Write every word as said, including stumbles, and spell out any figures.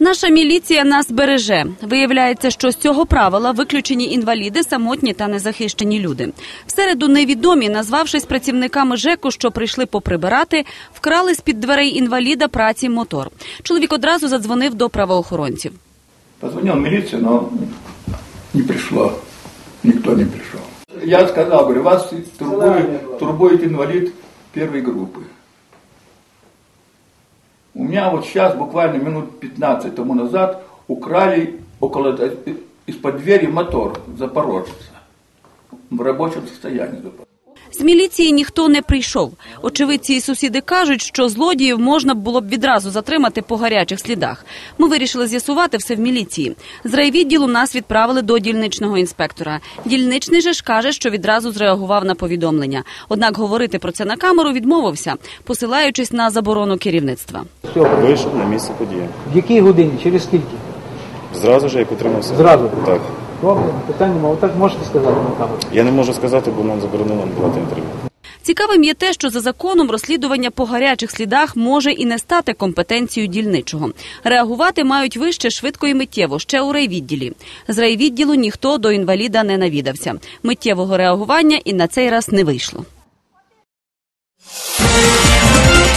Наша міліція нас береже. Виявляється, що з цього правила виключені інваліди, самотні та незахищені люди. В середу невідомі, назвавшись працівниками ЖЕКу, що прийшли поприбирати, вкрали з-під дверей інваліда праці мотор. Чоловік одразу задзвонив до правоохоронців. Позвонив в міліцію, але не прийшло. Ніхто не прийшов. Я сказав, говорю, вас турбує, турбує інвалід першої групи. У меня вот сейчас, буквально минут пятнадцать тому назад, украли около, из-под двери мотор запорожца. В рабочем состоянии. З міліції ніхто не прийшов. Очевидці і сусіди кажуть, що злодіїв можна було б відразу затримати по гарячих слідах. Ми вирішили з'ясувати все в міліції. З райвідділу нас відправили до дільничного інспектора. Дільничний же ж каже, що відразу зреагував на повідомлення. Однак говорити про це на камеру відмовився, посилаючись на заборону керівництва. Вийшов на місце події. В якій годині? Через скільки? Зразу ж, як утримався. Зразу? Так. Добре, питань немає. Отак можете сказати на камеру? Я не можу сказати, бо нам заборонено давати інтерв'ю. Цікавим є те, що за законом розслідування по гарячих слідах може і не стати компетенцією дільничого. Реагувати мають вище, швидко і миттєво, ще у райвідділі. З райвідділу ніхто до інваліда не навідався. Миттєвого реагування і на цей раз не вийшло.